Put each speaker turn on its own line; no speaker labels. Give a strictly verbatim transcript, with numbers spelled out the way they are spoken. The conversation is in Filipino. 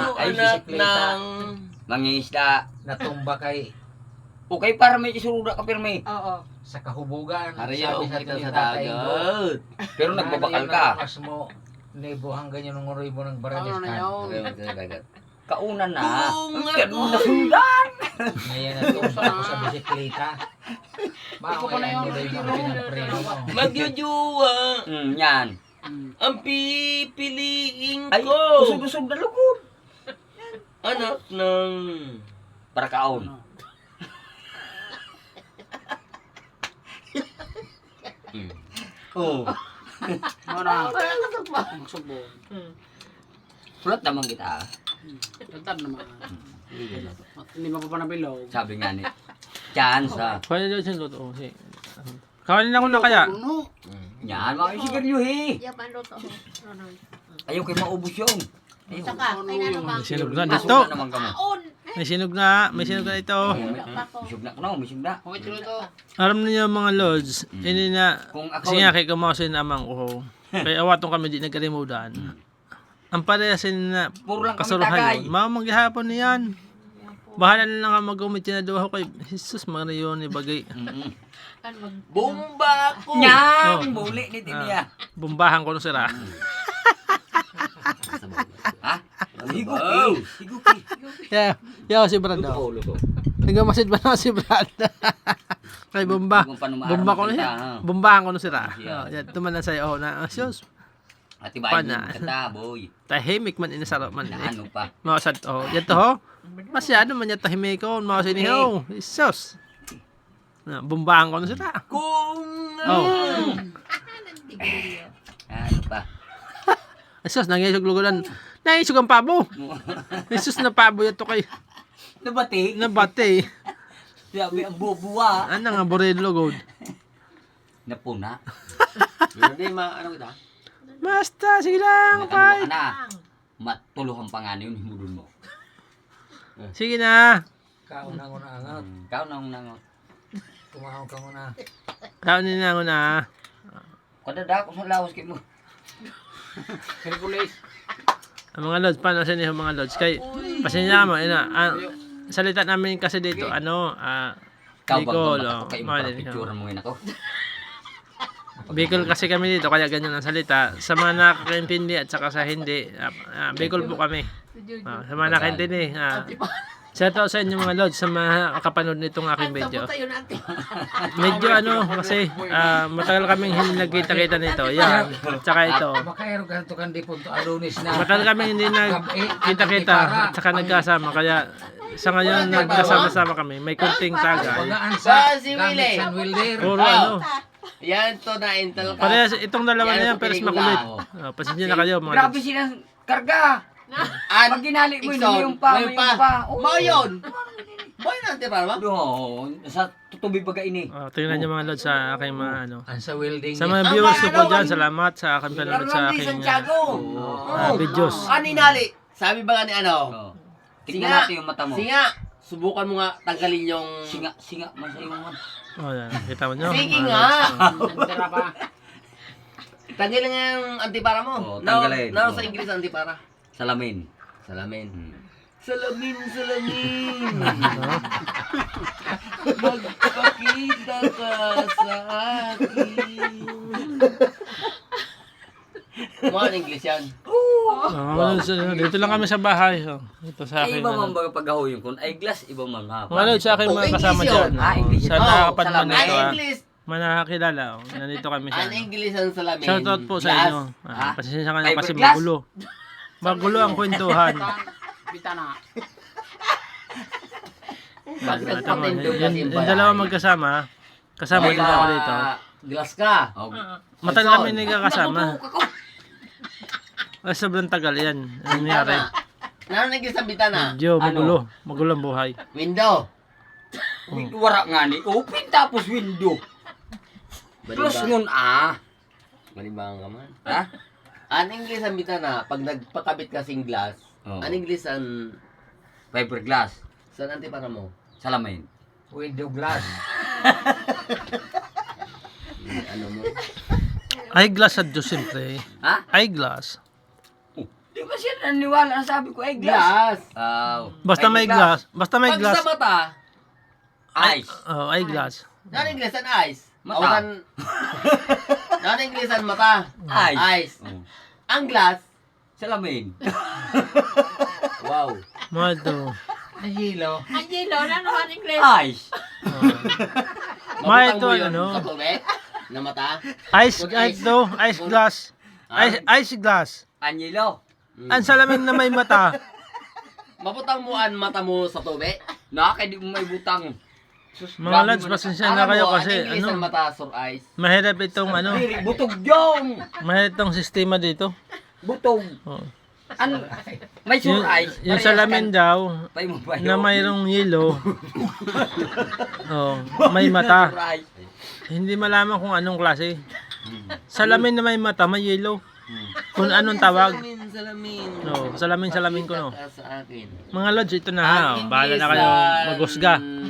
Ay,
anak
bisikleta.
ng...
Mangingisda.
Natumba kay
Okay, para may isuruda ka pirmi.
Oo.
sa kahubugan.
Hariyo,
Sabi sa
kita
atin
sa
ni Tatay Indo,
dagat.
Pero nagbabakal ka.
Mas mo, nebuhang ganyan ng uroy mo ng baranes
Ano na
ka.
yun?
Hariyo, kita sa dagat.
Kauna na.
Kung
Ang
ako-
ganda na sundan.
Ngayon natumba ako sa bisikleta.
Ikaw pa na
Makawayan
yun.
mo ba yung mga pinagpreno mo?
Magyujuwa.
Mm, yan.
Ang pipiliin
Ay,
ko.
usog-usog na lugod.
Anak ng...
Para kaon.
Hmm.
Oo.
Ano na? Magsubon.
Sulat naman kita.
Tantad naman. Hindi mo pa pa nabilog.
Sabi nga ni. Chance ha.
Kaya daw siya luto. Si. Kawanin ako na kaya.
Ano?
Yan, mga sigarilyo he.
Yung panluto. Ano?
Ayaw kayo maubos yun. Ayaw.
Saka, ay ano ba?
May sinog na
Usog
dito.
na naman kamo.
On!
May sinog na. May sinog na ito.
Misog na ka misog na.
Okay, tuloy to.
Alam niyo mga lods. Ini na.
Kung ako,
Kasi nga kay kamasin amang ko. Kaya awatong kami di nagkarimudan. Ang parehasin na
puro lang kami
kasuluhan
tagay.
yun. Mga maghihapon niyan. Bahala na lang ang mag-umit na daw ako kay Jesus mga yun ni bagay.
Mm-mm.
Kan mag...
Bomba ko.
Yan,
Oh.
muli ni Tinia.
Bumbahan ko nung sira.
Ha? Higuki. Higuki.
Yeah, yeah si Brad daw.
Luto, luto.
Nagamasid ba na si Brad? Kay bomba.
Kung paano maaraw
Bomba ko na
makita,
siya.
ha?
Bombahan ko nung sira.
Yeah.
Oh, yan tumanan sa'yo. Oh, na asyos.
At ibahin mo
Pana.
yung kata, boy.
Tahimik man inasarap man
Na
eh.
ano pa.
Makasad oh. Yan to ho. Masyado man yan tahimik ko. Mga sinihaw. Isos. Na, bombahan ko nung sira.
Kung...
Oh.
Ano pa.
Isos, nangyayos lugulan. Nangyayos ang pabo. Isos na pabo yan to kay
Nabati.
nabate.
Sabi ang bubuwa.
Ano nga, borelo god.
Napuna.
Hindi, ma... Ano kita?
Basta, sige lang,
Ano ka
fight.
na. Matuluhan pa nga yun, himudun mo.
Sige na.
Kaunang una angat.
Ikaw nang nang.
Kumahaw ka muna.
Kaunin na ako na.
Kadada ko sa lawas kay mo.
Hercules.
Ang mga lods, paano sa inyo mga lods? Kay, pasensya mo, ina, ah, salita namin kasi dito, ano, ah,
Ikaw bang
Bicol,
bang
oh,
kayo
mga
para
din,
picture mo yun ako.
Bicol kasi kami dito, kaya ganyan ang salita. Sa mga nakakaintindi at saka sa hindi, ah, ah, Bicol po kami. Ah, sa mga nakakaintindi, ah, shout out sa inyo mga lods, sa mga kapanood nitong aking video.
Tayo natin.
Medyo ano, kasi ah, matagal kaming hindi nagkita-kita nito. Yan, at saka ito.
Makayaro ka ito kandi punto alunis na.
Matagal kami hindi nagkita-kita at saka nagkasama. Kaya sa ngayon nagkasama-sama kami. May kunting tagay.
Bagaan sa
Ba, si
gamit
Willie.
San Wilder.
Puro ano.
Yan to na Intel ka.
Parehas itong dalawa na yan,
Yan sa
pero
pelikula.
makulit. Oh, pasensya na kayo mga
Grabe
lods.
silang karga.
An,
Pag ginali mo yun,
Ikson,
yung pa,
may
yung pa. Oo.
Bao yun. Boy natin para ba?
Oo, sa tutubi baga ini.
Oh, tingnan niyo mga lods sa aking mga ano.
Ang sa welding.
Sa mga viewers ko po dyan, salamat sa aking panonood sa
Carlos
aking
Santiago.
ah, videos.
Ani nali. Sabi ba nga ni ano?
Oo. Tingnan
Singa.
natin yung mata mo.
Singa. Subukan mo nga tanggalin yung...
Singa, singa, masaya mo man.
Oh, yan. Kita mo nyo.
Sige
mga
nga.
lods.
Tira pa.
Tanggalin nga yung antipara mo.
Oo,
Now-
tanggalin.
Now,
Oo.
sa Ingles antipara.
Salamin.
Salamin.
Hmm.
Salamin, salamin. Magpakita ka sa akin. Mga English yan.
Oh, mga lods, ano, dito lang kami sa bahay. Oh. Ito sa
Ay,
aking
iba
ano.
man baga paghaho yung kun. Ay, glass, iba man ha.
Mga lods, sa aking
Oh,
mga kasama
English
dyan.
yun.
Ah, English yun.
Sa
Oh,
nakakapanood
salamin.
nito.
Ang
ah.
English.
Mga nakakilala. Oh. Nandito kami sa
Ang
ano.
English ang salamin.
Shoutout po sa
Glass.
inyo. Ah,
Ah?
pasensya ka na kasi
Fiberglass?
magulo. Magulo ang kwentuhan.
Bitana.
Bakit
Ah,
ang
tama.
patendo
Yung,
kasi
yung
yung
dalawa
bayan?
magkasama. Kasama din ako dito.
Glass ka.
Oh,
Matagal kami nagkakasama. Ay, sobrang tagal yan. Ano nangyari?
Ano ang English ang bitana?
Medyo
Ano?
magulo. Magulo ang buhay.
Window.
wara nga ni. Open tapos window. Plus ngun ah.
Malibang ka man.
Ha?
Ang English ang bitana, pag nagpakabit kasing glass,
Oo.
ang English ang...
Fiberglass.
Saan antipara mo?
Salamin.
Window glass.
Ano mo?
Eyeglass at Diyos siyempre.
Ha?
Eyeglass.
Di ba siya naniwala? Ang sabi ko ay glass.
Glass.
Aw.
Basta may glass. Basta may
Pag
glass.
sa mata,
Ice.
Oh, ay glass.
ano Inglesan ice?
Mata.
Awasan, ano Inglesan mata?
Ice.
Ice.
Oh.
Ang glass,
Salamin.
wow.
Malto.
Ang hilo.
Ang yelo, ano naman English?
Ice.
May
Mabutang
ito,
mo yun
ano?
sa tubig na mata.
Ice, ice to. Ice glass. Ice, ice glass.
Anyelo.
Ang salamin na may mata.
Mabutang mo ang mata mo sa tubig.
Nakakay di mo may butang. Sus,
Mga
grabe
lads,
mo na-
pasensya na kayo kasi
ang Inglesan
ano,
mata, sur ice.
mahirap itong ano,
Diri, butog yung.
mahirap itong sistema dito.
Butog.
Oh.
Ano? May
Yung,
sur ice.
yung
Parehas
salamin
kan-
daw,
Pay mo ba
na
yun?
mayroong yelo, oh, may mata.
Sur ice.
Hindi malaman kung anong klase. Salamin na may mata, may yelo. Kung anong tawag.
Salamin, salamin.
No, salamin salamin ko no.
Pakita ka sa akin.
Mga lods, ito na ha.
Ang
Bahala na kayo
Inglesan
maghusga.